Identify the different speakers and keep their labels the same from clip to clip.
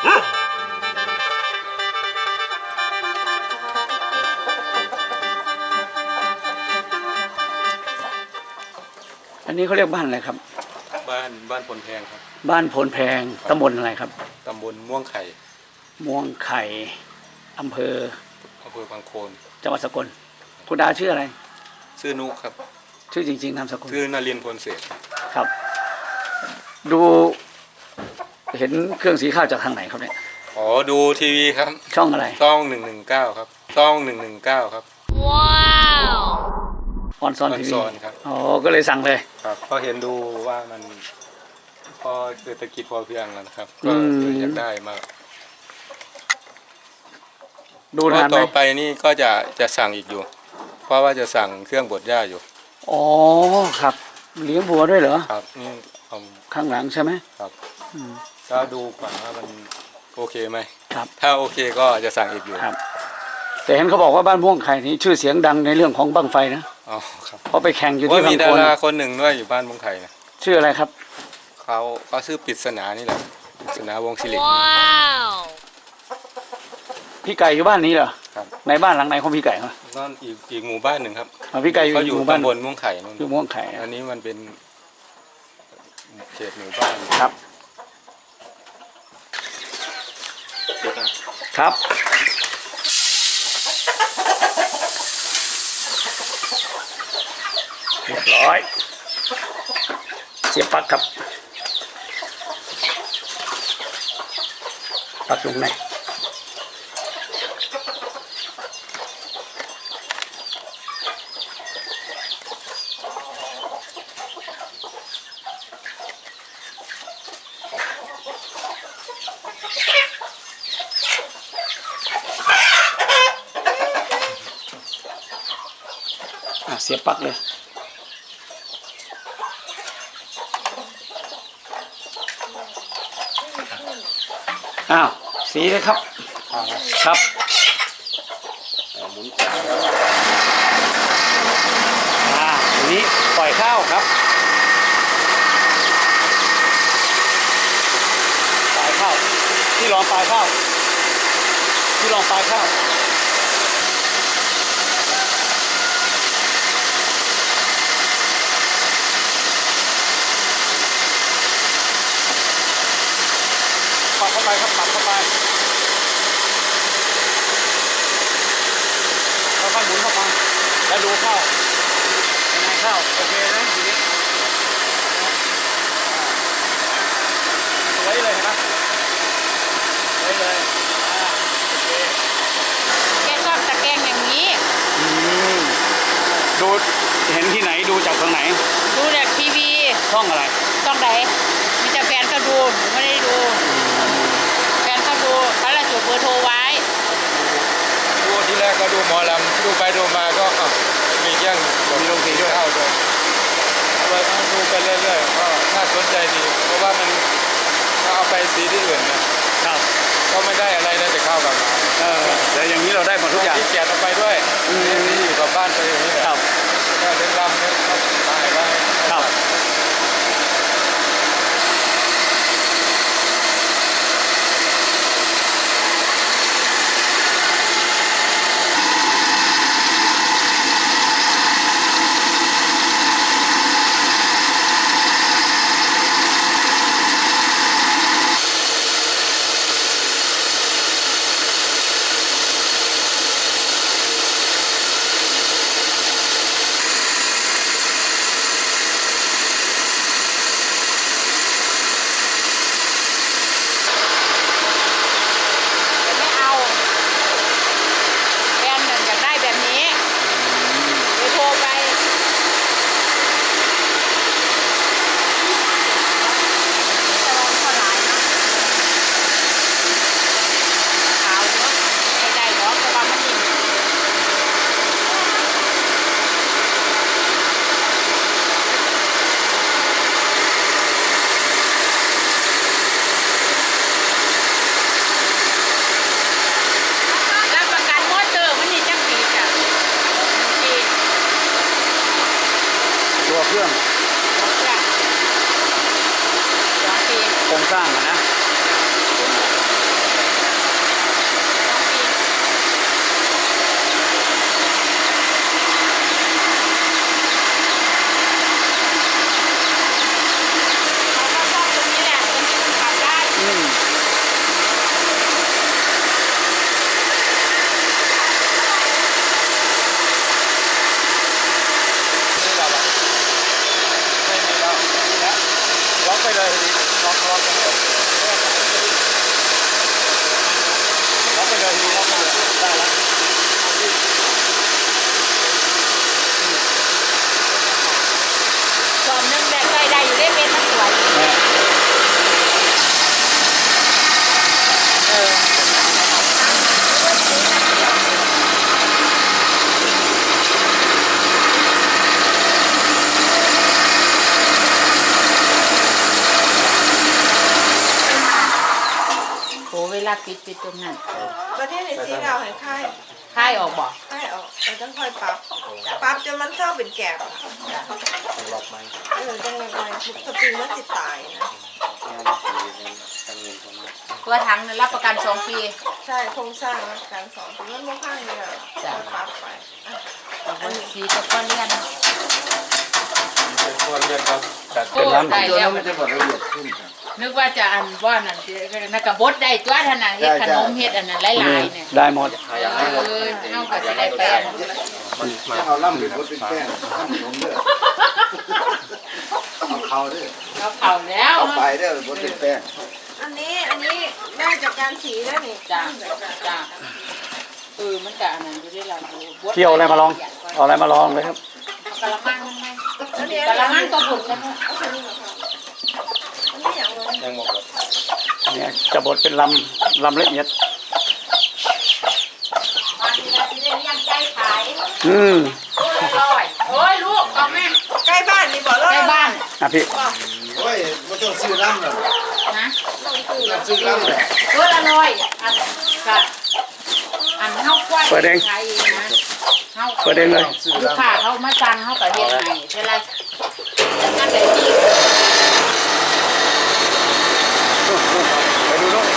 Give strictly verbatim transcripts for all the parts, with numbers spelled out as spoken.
Speaker 1: อันนี้เขาเรียกบ้านอะไรครับ
Speaker 2: บ้านบ้านพลแพงครับ
Speaker 1: บ้านโพนแพงตำบลอะไรครับ
Speaker 2: ตำบลม่วงไข่
Speaker 1: ม่วงไข่อำเภอ
Speaker 2: อำเภอบางโคน
Speaker 1: จังหวัดสกลคุณดาชื่ออะไร
Speaker 2: ชื่อนุครับ
Speaker 1: ชื่อจริงๆนามสกุล
Speaker 2: ชื่อนรินทร์พลเศษ
Speaker 1: ครับดูเห็นเครื่องสีข้าวจากทางไหนครับเนี่ย
Speaker 2: อ๋อดูทีวีครับ
Speaker 1: ช่องอะไร
Speaker 2: ช่องหนึ่งหนึ่งเก้าครับช่องหนึ่งหนึ่งเก้าครับ
Speaker 1: ว้าวออนซอนทีวี
Speaker 2: ครับ
Speaker 1: อ๋อก็เลยสั่งเลย
Speaker 2: ครับก็เห็นดูว่ามันพอเศรษฐกิจพอเพียงแล้วนะครับก็อยากได้มา
Speaker 1: ดูนานไหม
Speaker 2: ต่อไปนี่ก็จะจะสั่งอีกอยู่เพราะว่าจะสั่งเครื่องบดหญ้าอยู่
Speaker 1: อ๋อครับเลี้ยงบัวด้วยเหรอ
Speaker 2: ครับนี่
Speaker 1: ข้างหลังใช่ไหม
Speaker 2: ครับก็ดูก่อนว่ามันโอเคไหม
Speaker 1: ครับ
Speaker 2: ถ้าโอเคก็จะสั่งอีกอยู่
Speaker 1: ครับแต่เห็นเขาบอกว่าบ้านม่วงไข่นี้ชื่อเสียงดังในเรื่องของบั้งไฟนะ
Speaker 2: อ๋อครับ
Speaker 1: เพราะไปแข่งอยู่ที่บางคน
Speaker 2: มีดาราคนหนึ่งด้วยอยู่บ้านม่วงไข่นะ
Speaker 1: ชื่ออะไรครับ
Speaker 2: เขาเขาชื่อปริศนานี่แหละปริศนาวงศิริ
Speaker 1: พี่ไก่อยู่บ้านนี้เหรอ
Speaker 2: ครับ
Speaker 1: ในบ้านหลังไหนของพี่ไก่ครับ
Speaker 2: นั่นอีกอีกหมู่บ้านหนึ่งครับ
Speaker 1: พี่ไก่อยู่
Speaker 2: อยู่ตำบลม่วงไข่นู่น
Speaker 1: อยู่ม่วงไข่
Speaker 2: อันนี้มันเป็นเขตหมู่บ้าน
Speaker 1: ครับครับเรียบร้อยเสียบปลั๊กครับปลั๊กลงไหนเสียบปลั๊กเลยอ้าวสีเลยครับครับ
Speaker 2: หมุน
Speaker 1: อ่าทีนี้ปล่อยข้าวครับปลายข้าวที่รองปลายข้าวที่รองปลายข้าวปัดเข้าไปครับปัดเข้าไปค่อยๆหมุนเข้าไปแล้วดูเข้ายังไงเข้าโอเคนะทีนี้สวยเลยนะสวยเลยโอเค
Speaker 3: แกชอบตะแกรงอย่างนี้
Speaker 1: ดูเห็นที่ไหนดูจากทางไหน
Speaker 3: ดูจากทีวี
Speaker 1: ช่องอะไร
Speaker 3: ช่องไหนมีแต่แฟนเขาดูผมไม่ได้ดูแฟนเขาดูเขาละจุดเบอร์โทรไว้
Speaker 2: ดูที่แรกก็ดูหมอลำดูไปดูมาก็มีแย่ง
Speaker 1: มีลงสีด้วย
Speaker 2: เข้าด้วยเราดูไปเรื่อยๆก็น่าสนใจดีเพราะว่ามันถ้าเอาไปสีที่อื่นนะครับก็ไม่ได้อะไรนะแต่เข้ากับมา
Speaker 1: เออแต่อย่างนี้เราได้หมดทุกอย่าง
Speaker 2: ที่แกะเอาไปด้วยที่อยู่กับบ้านไปอย่างนี้แหละก็เป็นลำเนี่ยเขาถ่ายไว้
Speaker 1: ครับเครื่องโครงสร้างนะ
Speaker 3: เวลาปิดปิดตรงนั้น
Speaker 4: ประเทศในสีดาวให้ค่าย
Speaker 3: ค่ายออกบ่
Speaker 4: ค่ายออกเราต้องค่อยปรับปรับจนมันเท่าเป็นแกบอะ
Speaker 2: ล็อกไหม
Speaker 4: เออจังเลยไปสปริงมันติดตายนะ
Speaker 3: ตัวถังเนี่ยรับประกันสองปี
Speaker 4: ใช่โครงสร้างนะการสอนถึงมันไม่ข้างเลยอะ
Speaker 3: จ้ะ
Speaker 4: ปรับไปอ่ะ
Speaker 3: อันนี้สีตะก้อนเลียน
Speaker 2: เป็นคนเรียนครับจัด
Speaker 3: โอ้ได้แล้ว
Speaker 5: มันจะบอกละเอียดขึ้นครับ
Speaker 3: นึกว่าจะอันว่านั่นสินักกบดได้ตัวเท่านั้นเฮ็ดขนมเฮ็ดอันนั้นหลายๆเนี่ย
Speaker 1: ได้หมด
Speaker 3: เออเฮาก็สิได้ไปอัน
Speaker 5: ถ้าเอาล่ำเป็นบดเป็นแป้งข้ามขนมเด้อเอาเขาเด้อ
Speaker 3: เราเผาแล้ว
Speaker 5: เอาไปเด้อบดเป็นแป้ง
Speaker 4: อันนี้อันนี้ได้จากการสีแล้วนี่
Speaker 3: จ้าจ้าเออมันก็อันนั้นอยู่ด้วยล่ะบด
Speaker 1: เที่ยวอะไรมาลองเอาอะไรมาลองเลยครับ
Speaker 3: กะละมังมันไหม
Speaker 4: อันนี้
Speaker 3: กะละมังก็บุญกัน
Speaker 4: เอาตัวนี้เหรอคะอันนี้อย่างไร
Speaker 2: ยังหมดเลย
Speaker 1: เนี่ยจะบดเป็นลำลำละเอียด
Speaker 3: มาทีละทีได้เลี้ยงไก่ขาย
Speaker 1: อืม
Speaker 3: โอ้ยอร่อยโอ้ยลูกเอาแม่
Speaker 4: ใกล้บ้านนี่บอกแล้ว
Speaker 3: ใกล้บ้าน
Speaker 1: อ่ะพี่
Speaker 5: โอ้ยมันต้องซื้อล่ำหรอก
Speaker 3: นะ
Speaker 5: ต้องซื้อล่ำแหละ
Speaker 3: เอออร่อยอันก็อันเฮาควายขายเองนะเฮา
Speaker 1: เปิดเองเลย
Speaker 3: ลูกค้าเขามาสั่งเฮาก็เฮ็ดให้เวลาอันใดที่
Speaker 1: ไปดูนู่น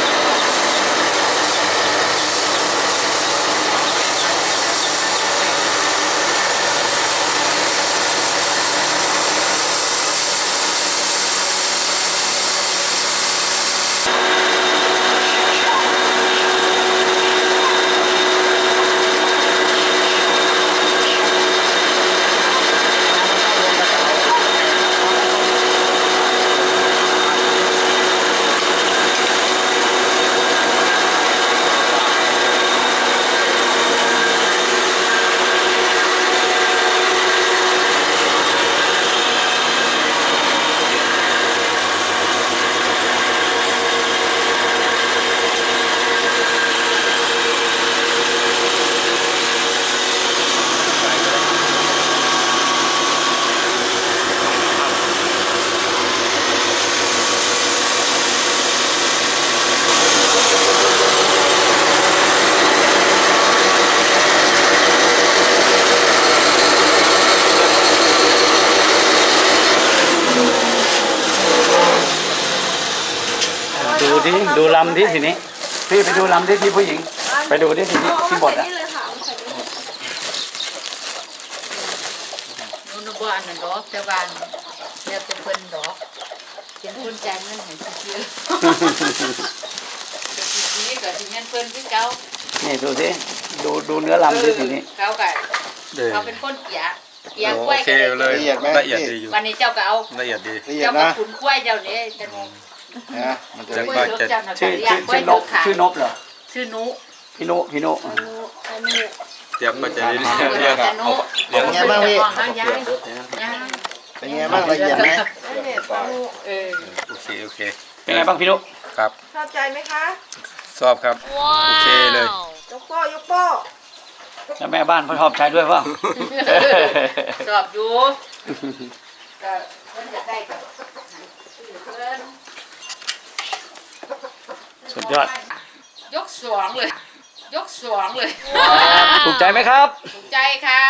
Speaker 1: ดูดิดูลำดิทีนี้พี่ไปดูลำดิที่ผู้หญิง ไปดูดิทีนี้
Speaker 4: เอา
Speaker 1: ที่บ
Speaker 4: มา
Speaker 1: ด
Speaker 4: ใส่
Speaker 1: อ่ะ
Speaker 4: นี่เลยค่ะเอามาใส่นี่
Speaker 3: นู่นบ่อันนั้นดอกแต่ว่าแล้วแต่เพิ่นดอกเป็นคนจ่ายเงินให้ซื่อๆดีก็สิเงินเพิ่นคือเก่า
Speaker 1: นี่ดูสิดูดูเนื้อลำดิทีนี้
Speaker 3: เขาก็
Speaker 2: เด้
Speaker 3: เขาเป็นคนเกียเกีย
Speaker 2: โอก
Speaker 3: ล้วย
Speaker 2: เค
Speaker 3: ก็
Speaker 2: เล
Speaker 3: ได้
Speaker 2: ยละเอียดดีอยู่
Speaker 3: วันนี้เจ้าก็เอา
Speaker 2: ละเอียดดี
Speaker 5: ละเอียด
Speaker 3: เจ้าก็
Speaker 5: นะ
Speaker 3: ขุนกล้วยเจ้านี่จะงง
Speaker 5: นะมันจะ
Speaker 2: จาก
Speaker 3: กล้วย
Speaker 2: บ้าน
Speaker 3: เถอะเจ้าน่ะ
Speaker 1: ชื่อ
Speaker 3: เลี้ย
Speaker 1: ชื่
Speaker 3: ง
Speaker 1: อก
Speaker 3: ล้วย
Speaker 1: ชื่อน
Speaker 3: เถ
Speaker 1: ก
Speaker 3: อะค่ะ
Speaker 1: ชื่อนกเหรอ
Speaker 3: ชื่อนุ
Speaker 1: พี่นุพี่นุ
Speaker 4: อันนี้อันนี้
Speaker 2: เตรียมก็จะเรียนเรียนอะเอาเรียน
Speaker 5: เป็นไงบ้างพี่
Speaker 3: เอาย้ายย้าย
Speaker 5: เป็นไงบ้างละเอียดไหม
Speaker 4: อันนี้ปลาหมู
Speaker 3: เออ
Speaker 2: โอเคโอเค
Speaker 1: เป็นไงบ้างพี่นุ
Speaker 2: ครับ
Speaker 4: ชอบใจไหมคะ
Speaker 2: ชอบครับโอเคเลย
Speaker 4: ยกโป้ยกโป้
Speaker 1: แล้วแม่บ้านเขาชอบใช้ด้วยเปล่า
Speaker 3: ชอบอยู่ก็เพิ่นจะได้กับเพิ่น
Speaker 1: สุดยอด
Speaker 3: ยกสองเลย ยกสองเลย
Speaker 1: ถูกใจไหมครับ
Speaker 3: ถูกใจค่ะ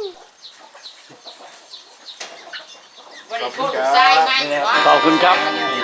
Speaker 3: วันนี้โทษลูกชายไหม
Speaker 1: ขอบคุณครับ
Speaker 3: เ